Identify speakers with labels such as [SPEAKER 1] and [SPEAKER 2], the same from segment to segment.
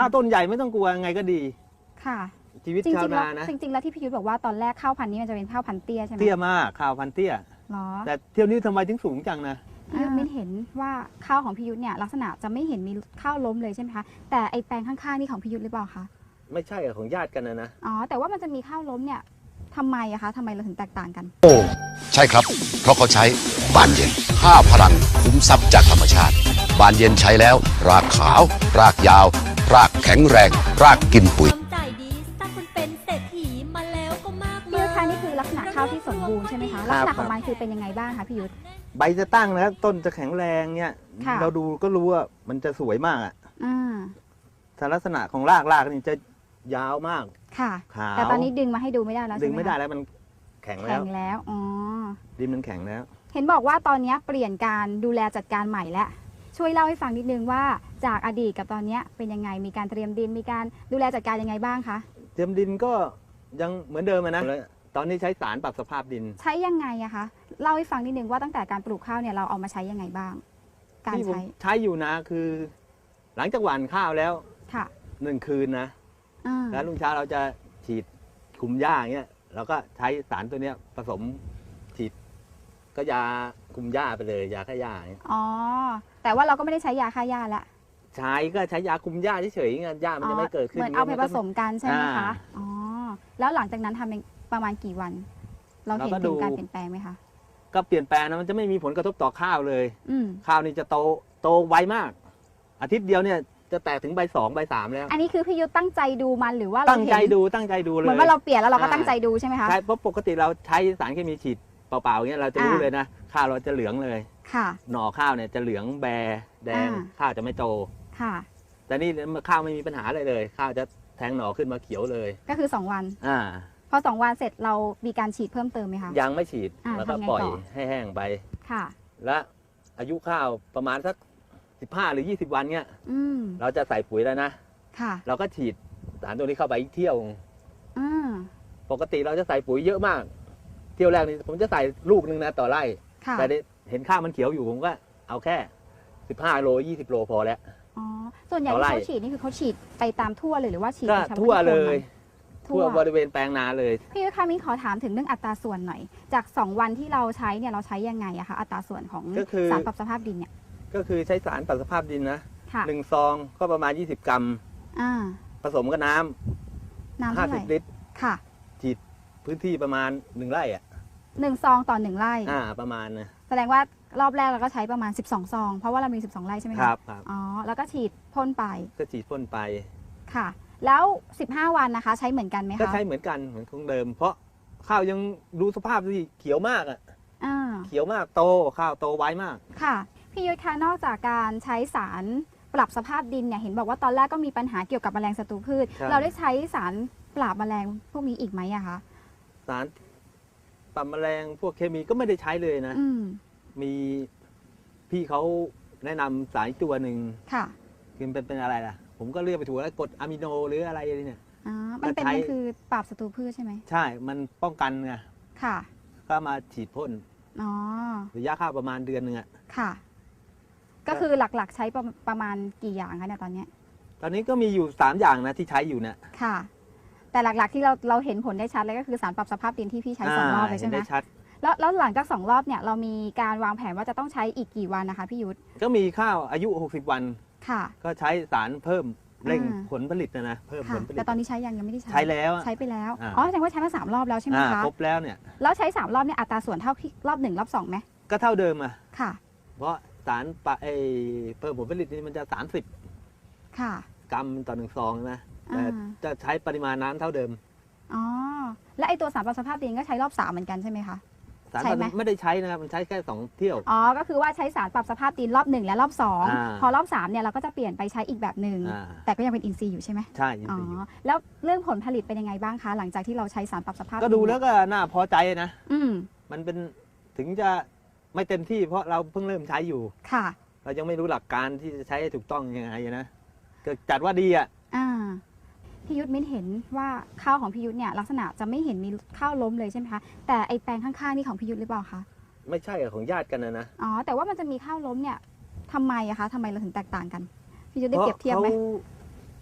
[SPEAKER 1] ข้าวต้นใหญ่ไม่ต้องกลัวไงก็ดี
[SPEAKER 2] ค่ะ
[SPEAKER 1] ชีวิตชาวนานะ
[SPEAKER 2] จริงๆแล้วที่พี่ยุทธบอกว่าตอนแรกข้าวพันธุ์นี้มันจะเป็นข้าวพันธุ์เตี้ยใช่ไหม
[SPEAKER 1] เตี้ยมากข้าวพันธุ์เตี้ย
[SPEAKER 2] หรอ
[SPEAKER 1] แต่เที่ยวนี้ทำไมถึงสูงจังนะ
[SPEAKER 2] พี่ยุทธไม่เห็นว่าข้าวของพี่ยุทธเนี่ยลักษณะจะไม่เห็นมีข้าวล้มเลยใช่ไหมคะแต่ไอแปลงข้างๆนี่ของพี่ยุทธหรือเปล่าคะ
[SPEAKER 1] ไม่ใช่ของญาติกันนะ
[SPEAKER 2] อ๋อแต่ว่ามันจะมีข้าวล้มเนี่ยทำไมอะคะทำไมเราถึงแตกต่างกัน
[SPEAKER 3] โอ้ใช่ครับเพราะเขาใช้บานเย็น5 พลังคุ้มทรัพย์จากธรรมชาติบานเย็นใช้แล้วรากขาวรากยาวรากแข็งแรงรากกินปุ๋ย
[SPEAKER 4] ใจดีสร้างคนเป็นเศรษฐีมาแล้วก็มาก
[SPEAKER 2] พี่ยุทธคะนี่คือลักษณะข้าวที่สมบูรณ์ใช่ไหมคะลักษณะของมันคือเป็นยังไงบ้างคะพี่ยุทธ
[SPEAKER 1] ใบจะตั้งนะต้นจะแข็งแรงเนี่ยเราดูก็รู้ว่ามันจะสวยมากอ่ะแต่ลักษณะของรากนี่จะยาวมาก
[SPEAKER 2] ค่ะแต่ตอนนี้ดึงมาให้ดูไม่ได้แล้ว
[SPEAKER 1] ดึงไม่ได้แล้วมันแข็ง
[SPEAKER 2] แล้วอ๋อ
[SPEAKER 1] ดินมันแข็งแล้ว
[SPEAKER 2] เห็นบอกว่าตอนนี้เปลี่ยนการดูแลจัดการใหม่แล้วช่วยเล่าให้ฟังนิดนึงว่าจากอดีตกับตอนนี้เป็นยังไงมีการเตรียมดินมีการดูแลจัดการยังไงบ้างคะ
[SPEAKER 1] เตรียมดินก็ยังเหมือนเดิมนะตอนนี้ใช้สารปรับสภาพดิน
[SPEAKER 2] ใช้ยังไงอะคะเล่าให้ฟังนิดนึงว่าตั้งแต่การปลูกข้าวเนี่ยเราเอามาใช้ยังไงบ้าง
[SPEAKER 1] การใช้อยู่นะคือ หลังจากหว่านข้าวแล้ว
[SPEAKER 2] ค่ะ
[SPEAKER 1] 1 คืนนะแล้วรุ่งเช้าเราจะฉีดคุมหญ้าอย่างเงี้ยเราก็ใช้สารตัวเนี้ยผสมฉีดก็ยาคุมหญ้าไปเลยยาฆ่าหญ้า
[SPEAKER 2] อ๋อแต่ว่าเราก็ไม่ได้ใช้ยาฆ่าหญ้าละ
[SPEAKER 1] ใช้ก็ใช้ยาคุมหญ้าเฉยๆไงหญ้ามันจะไม่เกิดขึ้น
[SPEAKER 2] เหมือนเอาไปผสมกันใช่ไหมคะอ๋อแล้วหลังจากนั้นทำประมาณกี่วันเราเห็นถึงการเปลี่ยนแปลงไหมคะ
[SPEAKER 1] ก็เปลี่ยนแปลงนะมันจะไม่มีผลกระทบต่อข้าวเลยข้าวนี่จะโตไวมากอาทิตย์เดียวเนี่ยจะแตกถึงใบ 2 ใบ 3แล้ว
[SPEAKER 2] อันนี้คือพี่ยุทธตั้งใจดูมันหรือว่า
[SPEAKER 1] ตั้งใจดูเลย
[SPEAKER 2] เหมือนว่าเราเปลี่ยนแล้วเราก็ตั้งใจดูใช่ไหมคะ
[SPEAKER 1] ใช่เพราะปกติเราใช้สารเคมีฉีดเปล่าๆอย่างเงี้ยเราจะรู้เลยนะข้าวเราจะเหลืองเลย
[SPEAKER 2] ค่ะ
[SPEAKER 1] หน่อข้าวเนี่ยจะเหลืองแบแดงข้าวจะไม่โต
[SPEAKER 2] ค่ะ
[SPEAKER 1] แต่นี่ข้าวไม่มีปัญหาเลยข้าวจะแทงหน่อขึ้นมาเขียวเลย
[SPEAKER 2] ก็คือ2 วันพอ2 วันเสร็จเรามีการฉีดเพิ่มเติมไหมคะ
[SPEAKER 1] ยังไม่ฉีดแล้วก็ปล่อยให้แห้งไป
[SPEAKER 2] ค่ะ
[SPEAKER 1] และอายุข้าวประมาณสัก15 หรือ 20 วันเนี่ยเราจะใส่ปุ๋ยแล้วนะเราก็ฉีดสารตัวนี้เข้าไปอีกเที่ยวปกติเราจะใส่ปุ๋ยเยอะมากเที่ยวแรกนี่ผมจะใส่ลูกนึงนะต่อไร่แต่เห็นข้าวมันเขียวอยู่ผมก็เอาแค่15 โล 20 โลพอแล้ว
[SPEAKER 2] อ๋อส่วนใหญ่ที่เขาฉีดนี่คือเขาฉีดไปตามทั่วเลยหรือว่าฉีด
[SPEAKER 1] ก็ทั่วเลยทั่วบริเวณแปลงนาเลย
[SPEAKER 2] พี่ยุทธคะมิ้นขอถามถึงเรื่องอัตราส่วนหน่อยจาก2 วันที่เราใช้เนี่ยเราใช้ยังไงอะคะอัตราส่วนของสารปรับสภาพดินเนี่ย
[SPEAKER 1] ก็คือใช้สารปรับสภาพดินนะ1 ซองก็ประมาณ20 กรัมผสมกับน้ำ50 ลิตร
[SPEAKER 2] ค่ะ
[SPEAKER 1] ฉีดพื้นที่ประมาณ1 ไร่
[SPEAKER 2] 1 ซองต่อ1 ไร่
[SPEAKER 1] ประมาณนะ
[SPEAKER 2] แสดงว่ารอบแรกเราก็ใช้ประมาณ12 ซองเพราะว่าเรามี12 ไร่ใช่ไหม
[SPEAKER 1] ครับ
[SPEAKER 2] อ๋อแล้วก็ฉีดพ่นไป
[SPEAKER 1] ก็ฉีดพ่นไป
[SPEAKER 2] ค่ะแล้ว15 วันนะคะใช้เหมือนกันไหมคะ
[SPEAKER 1] ก็ใช้เหมือนกันเหมือนของเดิมเพราะข้าวยังดูสภาพที่เขียวมากเขียวมากโตข้าวโตไวมาก
[SPEAKER 2] ค่ะพี่ยุทธคะนอกจากการใช้สารปรับสภาพดินเนี่ยเห็นบอกว่าตอนแรกก็มีปัญหาเกี่ยวกับแมลงศัตรูพืชเราได้ใช้สารปราบแมลงพวกนี้อีกไหมอะคะ
[SPEAKER 1] สารปราบแมลงพวกเคมีก็ไม่ได้ใช้เลยนะมีพี่เขาแนะนำสารตัวหนึ่ง
[SPEAKER 2] ค่ะ
[SPEAKER 1] คือเป็นอะไรล่ะผมก็เลือกไปถูกแล้วกรดอะมิโนหรืออะไรเนี่ย
[SPEAKER 2] มันคือปราบศัตรูพืชใช่ไหม
[SPEAKER 1] ใช่มันป้องกันไง
[SPEAKER 2] ค่ะ
[SPEAKER 1] ก็มาฉีดพ่นระยะข้าวประมาณเดือนนึง
[SPEAKER 2] ค่ะก็คือหลักๆใช้ประมาณกี่อย่างคะเนี่ยตอน
[SPEAKER 1] นี้ก็มีอยู่3 อย่างนะที่ใช้อยู่เนี่ย
[SPEAKER 2] ค่ะแต่หลักๆที่เราเห็นผลได้ชัดเลยก็คือสารปรับสภาพดินที่พี่ใช้2 รอบเลยใช่ไหมแล้วหลังจาก2 รอบเนี่ยเรามีการวางแผนว่าจะต้องใช้อีกกี่วันนะคะพี่ยุทธ
[SPEAKER 1] ก็มีข้าวอายุ60 วัน
[SPEAKER 2] ค่ะ
[SPEAKER 1] ก็ใช้สารเพิ่มเร่งผลผลิตนะเพิ่มผลผลิต
[SPEAKER 2] แต่ตอนนี้ใช้ยังไม่ได้
[SPEAKER 1] ใช้แล้ว
[SPEAKER 2] ใช้ไปแล้วแสดงว่าใช้มา3 รอบแล้วใช่ไหมคะ
[SPEAKER 1] ครบแล้วเนี่ย
[SPEAKER 2] แล้วใช้3 รอบเนี่ยอัตราส่วนเท่าที่รอบ1 รอบ 2ไหม
[SPEAKER 1] ก็เท่าเดิม
[SPEAKER 2] ค่ะ
[SPEAKER 1] เพราะสารเพิ่มผลผลิตนี่มันจะ30กรัมต่อ1 ซองนะแต่จะใช้ปริมาณน้ำเท่าเดิม
[SPEAKER 2] อ๋อและไอตัวสารปรับสภาพดินก็ใช้รอบ3เหมือนกันใช่ไหมคะ
[SPEAKER 1] สารไม่ได้ใช้นะครับมันใช้แค่2 เที่ยว
[SPEAKER 2] ก็คือว่าใช้สารปรับสภาพดินรอบ1และรอบ2พอรอบ3เนี่ยเราก็จะเปลี่ยนไปใช้อีกแบบหนึ่งแต่ก็ยังเป็นอินทรีย์อยู่ใช่ไหม
[SPEAKER 1] ใช่อินทรีย์
[SPEAKER 2] แล้วเรื่องผลผลิตเป็นยังไงบ้างคะหลังจากที่เราใช้สารปรับสภาพ
[SPEAKER 1] ก็ดูแล้วก็น่าพอใจนะมันเป็นถึงจะไม่เต็มที่เพราะเราเพิ่งเริ่มใช้อยู่
[SPEAKER 2] ค่ะ
[SPEAKER 1] เรายังไม่รู้หลักการที่จะใช้ให้ถูกต้องยังไงนะก็จัดว่าดี
[SPEAKER 2] พี่ยุทธมิ้นเห็นว่าข้าวของพี่ยุทธเนี่ยลักษณะจะไม่เห็นมีข้าวล้มเลยใช่ไหมคะแต่ไอแปลงข้างๆนี่ของพี่ยุทธหรือเปล่าคะ
[SPEAKER 1] ไม่ใช่ของญาติกันนะ
[SPEAKER 2] แต่ว่ามันจะมีข้าวล้มเนี่ยทำไมอะคะทำไมเราถึงแตกต่างกันพี่ยุทธได้เปรียบเทียบไหม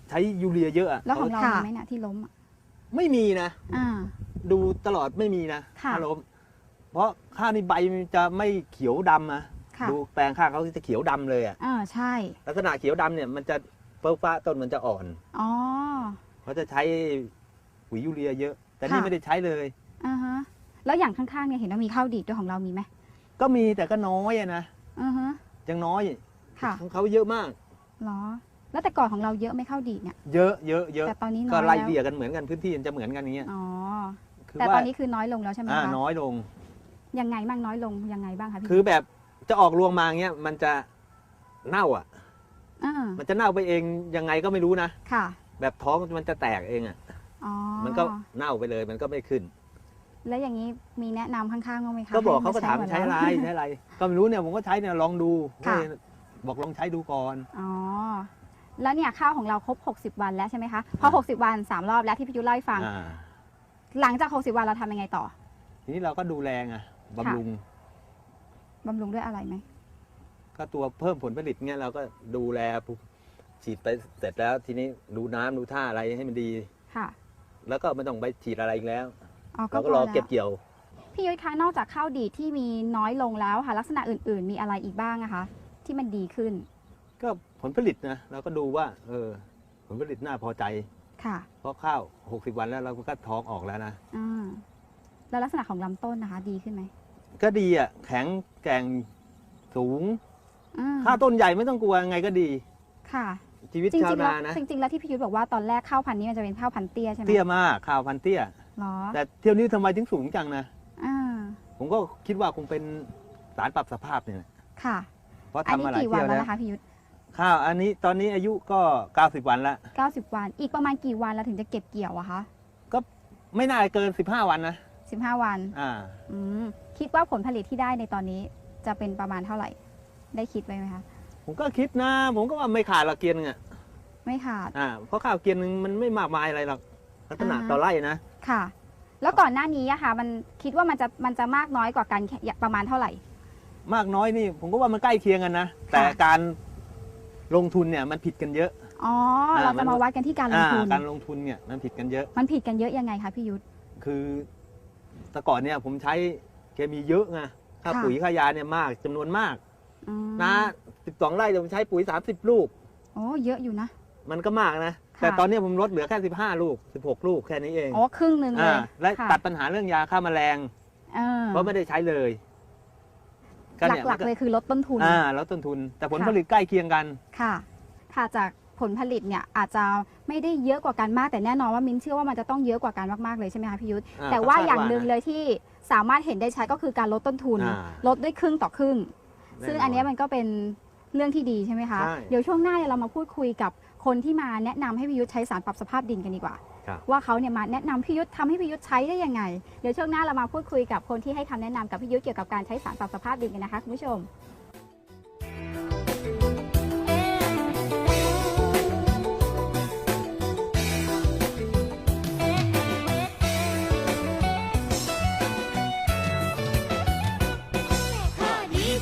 [SPEAKER 1] ใช้ยูเรียเยอะอะ
[SPEAKER 2] แล้วของเรา
[SPEAKER 5] ค่ะ
[SPEAKER 2] มีไหมเนี่ยที่ล้มอะ
[SPEAKER 1] ไม่มีนะ
[SPEAKER 2] อ่า
[SPEAKER 1] ดูตลอดไม่มีนะ
[SPEAKER 2] ค่ะ
[SPEAKER 1] ข้าวล้มเพราะข้าวนี่ใบมันจะไม่เขียวดำนะ
[SPEAKER 2] ค่ะ
[SPEAKER 1] ดูแปลงข้าวเขาจะเขียวดำเลยอะ
[SPEAKER 2] ใช่
[SPEAKER 1] ลักษณะเขียวดำเนี่ยมันจะเฟิร์ฟ้าต้นมันจะอ่อน
[SPEAKER 2] อ๋อ
[SPEAKER 1] เขาจะใช้ปุ๋ยยูเรียเยอะ แต่นี่
[SPEAKER 2] ค่ะ
[SPEAKER 1] ไม่ได้ใช้เลย
[SPEAKER 2] อ่าฮะแล้วอย่างข้างๆเนี่ยเห็นว่ามีข้าวดีดด้วยของเรามีไหม
[SPEAKER 1] ก็มีแต่ก็น้อยอะนะ
[SPEAKER 2] อือฮะ
[SPEAKER 1] ยังน้อย
[SPEAKER 2] ค่ะ
[SPEAKER 1] ของเขาเยอะมาก
[SPEAKER 2] เหรอ แล้วแต่ก่อนของเราเยอะไหม่ข้าวดีดเนี่ย
[SPEAKER 1] เยอะเยอะเยอะ
[SPEAKER 2] แต่ตอนนี้น้อย
[SPEAKER 1] ก็ไล่
[SPEAKER 2] แล้ว
[SPEAKER 1] เลี่ยกันเหมือนกันพื้นที่มันจะเหมือนกันอย่างเงี้ย
[SPEAKER 2] อ๋อ
[SPEAKER 1] คือ
[SPEAKER 2] แต่
[SPEAKER 1] ว่า
[SPEAKER 2] ตอนนี้คือน้อยลงแล้วใช่ไหมคะ
[SPEAKER 1] น้อยลง
[SPEAKER 2] ยังไงบ้างน้อยลงยังไงบ้างคะพี่
[SPEAKER 1] คือแบบจะออกรวงมาเงี้ยมันจะเน่าอ่ะ
[SPEAKER 2] อ่า
[SPEAKER 1] มันจะเน่าไปเองยังไงก็ไม่รู้นะ
[SPEAKER 2] ค่ะ
[SPEAKER 1] แบบท้องมันจะแตกเองอ่ะ
[SPEAKER 2] อ๋อ
[SPEAKER 1] มันก็เน่าไปเลยมันก็ไม่ขึ้น
[SPEAKER 2] แล้วอย่างนี้มีแนะนำข้างๆบ้างไหมคะ
[SPEAKER 1] ก็บอก
[SPEAKER 2] ให้
[SPEAKER 1] เขาก็ถาม
[SPEAKER 2] เหอน
[SPEAKER 1] ใช้อะไร
[SPEAKER 2] เ
[SPEAKER 1] ใช้อะไร ก็ไม่รู้เนี่ยผมก็ใช้เนี่ยลองดู
[SPEAKER 2] ค่ะ
[SPEAKER 1] บอกลองใช้ดูก่อน
[SPEAKER 2] อ๋อ แล้วเนี่ยข้าวของเราครบ 60 วันแล้วใช่ไหมคะ พอ 60 วัน 3 รอบแล้วที่พี่ยุทธเล่าให้ฟัง
[SPEAKER 1] อ่า
[SPEAKER 2] หลังจาก 60 วันเราทำยังไงต่อ
[SPEAKER 1] ทีนี้เราก็ดูแลไงบำรุง
[SPEAKER 2] บำรุงด้วยอะไรไหม
[SPEAKER 1] ก็ตัวเพิ่มผลผลิตเงี้ยเราก็ดูแลฉีดไปเสร็จแล้ว ทีนี้ดูน้ำดูท่าอะไรให้มันดี
[SPEAKER 2] ค่ะ
[SPEAKER 1] แล้วก็ไม่ต้องไปฉีดอะไรอีกแล้ว
[SPEAKER 2] อ๋อ
[SPEAKER 1] เราก็
[SPEAKER 2] พ
[SPEAKER 1] รอ
[SPEAKER 2] แล้ว
[SPEAKER 1] เก็บเกี่ยว
[SPEAKER 2] พี่ยุทธคะนอกจากข้าวดีดที่มีน้อยลงแล้วค่ะ ลักษณะอื่นๆ มีอะไรอีกบ้างอะคะ ที่มันดีขึ้น
[SPEAKER 1] ก็ผลผลิตนะเราก็ดูว่า ผลผลิตน่าพอใจ
[SPEAKER 2] ค่ะ
[SPEAKER 1] เพราะข้าว 60 วันแล้วเราก็ท้องออกแล้วนะ
[SPEAKER 2] อ่า แล้วลักษณะของลำต้นนะคะ ดีขึ้นไหม
[SPEAKER 1] ก็ดีอ่ะแข็งแกร่งสูง
[SPEAKER 2] อืม
[SPEAKER 1] ข้าวต้นใหญ่ไม่ต้องกลัวไงก็ดี
[SPEAKER 2] ค่ะ
[SPEAKER 1] ชีวิต
[SPEAKER 2] จริ
[SPEAKER 1] ชาว
[SPEAKER 2] งๆแล้ว
[SPEAKER 1] นานะ
[SPEAKER 2] จริงๆแล้วที่พี่ยุทธบอกว่าตอนแรกข้าวพันธุ์นี้มันจะเป็นข้าวพันธุ์เตี้ยใช่ไหม
[SPEAKER 1] เตี้ยมากข้าวพันธุ์เตี้ย
[SPEAKER 2] หรอ
[SPEAKER 1] แต่เที่ยวนี้ทำไมถึงสูงจังนะ
[SPEAKER 2] อ่า
[SPEAKER 1] ผมก็คิดว่าคงเป็นสารปรับสภาพเนี่ยแหละ
[SPEAKER 2] ค่ะ
[SPEAKER 1] เพราะ
[SPEAKER 2] อัน
[SPEAKER 1] ทำ
[SPEAKER 2] นี้
[SPEAKER 1] มาหลาย
[SPEAKER 2] กี่วัน
[SPEAKER 1] เที่ยว
[SPEAKER 2] แล้ว
[SPEAKER 1] แล้ว
[SPEAKER 2] นะคะพี่ยุทธ
[SPEAKER 1] ข้าวอันนี้ตอนนี้อายุก็ 90 วันละ
[SPEAKER 2] 90 วัน อีกประมาณกี่วันเราถึงจะเก็บเกี่ยวอะคะ
[SPEAKER 1] ก็ไม่น่าเกิน 15 วันนะ
[SPEAKER 2] 15 วัน
[SPEAKER 1] อ่า
[SPEAKER 2] คิดว่าผลผลิตที่ได้ในตอนนี้จะเป็นประมาณเท่าไหร่ ได้คิดไว้ไหมคะ
[SPEAKER 1] ผมก็คิดนะ ผมก็ว่าไม่ขาดหรอกเกียนนึงอ่ะ
[SPEAKER 2] ไม่ขาด
[SPEAKER 1] เพราะข้าวเกียนนึงมันไม่มากมายอะไรหรอกลักษณะ
[SPEAKER 2] อ่า
[SPEAKER 1] ต่อไร่นะ
[SPEAKER 2] ค่ะ แล้วก่อนหน้านี้อะค่ะ มันคิดว่ามันจะมากน้อยกว่ากันแค่ประมาณเท่าไหร่
[SPEAKER 1] มากน้อยนี่ ผมก็ว่ามันใกล้เคียงกันนะ แต่การลงทุนเนี่ยมันผิดกันเยอะ
[SPEAKER 2] อ๋อ เราจะมาวัดกันที่การลงทุน
[SPEAKER 1] การลงทุนเนี่ยมันผิดกันเยอะ
[SPEAKER 2] มันผิดกันเยอะยังไงคะพี่ยุทธ
[SPEAKER 1] คือแต่ก่อนเนี่ยผมใช้เคมีเยอะไงค่า
[SPEAKER 2] ค่ะ
[SPEAKER 1] ปุ๋ยค่ายาเนี่ยมากจำนวนมาก
[SPEAKER 2] อืม
[SPEAKER 1] นะ12 ไร่ผมใช้ปุ๋ย 30 ลูก
[SPEAKER 2] โอ้เยอะอยู่นะ
[SPEAKER 1] มันก็มากนะ
[SPEAKER 2] ค่ะ
[SPEAKER 1] แต่ตอนนี้ผมลดเหลือแค่15 ลูก 16 ลูกแค่นี้เอง
[SPEAKER 2] อ๋อครึ่งหนึ่งเลย
[SPEAKER 1] และ
[SPEAKER 2] ค่ะ
[SPEAKER 1] ตัดปัญหาเรื่องยาฆ่าแมลง เพราะไม่ได้ใช้เลยนี่
[SPEAKER 2] หลักๆเลยคือลดต้นทุน
[SPEAKER 1] แล้วต้นทุน แต่ผล
[SPEAKER 2] ค่ะ
[SPEAKER 1] ผลิตใกล้เคียงกัน
[SPEAKER 2] ค่ะ ค่ะจากผลผลิตเนี่ยอาจจะไม่ได้เยอะกว่ากันมาก แต่แน่นอนว่ามิ้นเชื่อว่ามันจะต้องเยอะกว่ากันมากๆเลยใช่ไหมคะพี่ยุทธ
[SPEAKER 1] อ่า
[SPEAKER 2] แต่ว่า
[SPEAKER 1] ก็คาด
[SPEAKER 2] อย่างหนึ่ง
[SPEAKER 1] ว่านะ
[SPEAKER 2] เลยที่สามารถเห็นได้ชัดก็คือการลดต้นทุน
[SPEAKER 1] อ่า
[SPEAKER 2] ลดด้วยครึ่งต่อครึ่ง
[SPEAKER 1] แน่นอน
[SPEAKER 2] ซึ่งอันเนี้ยมันก็เป็นเรื่องที่ดีใช่ไหมคะ
[SPEAKER 1] ใช่
[SPEAKER 2] เดี๋ยวช่วงหน้าเนี่ยเรามาพูดคุยกับคนที่มาแนะนำให้พี่ยุทธใช้สารปรับสภาพดินกันดีกว่า
[SPEAKER 1] ครับ
[SPEAKER 2] ว่าเขาเนี่ยมาแนะนำพี่ยุทธทำให้พี่ยุทธใช้ได้ยังไง เดี๋ยวช่วงหน้าเรามาพูดคุยกับคนที่ให้คำแนะนำกับพี่ยุทธเกี่ยวกับการใช้สารปรับสภาพดินกันนะคะคุณผู้ชม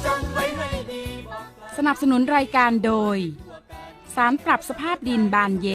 [SPEAKER 6] สนับสนุนรายการโดย สารปรับสภาพดินบานเย็น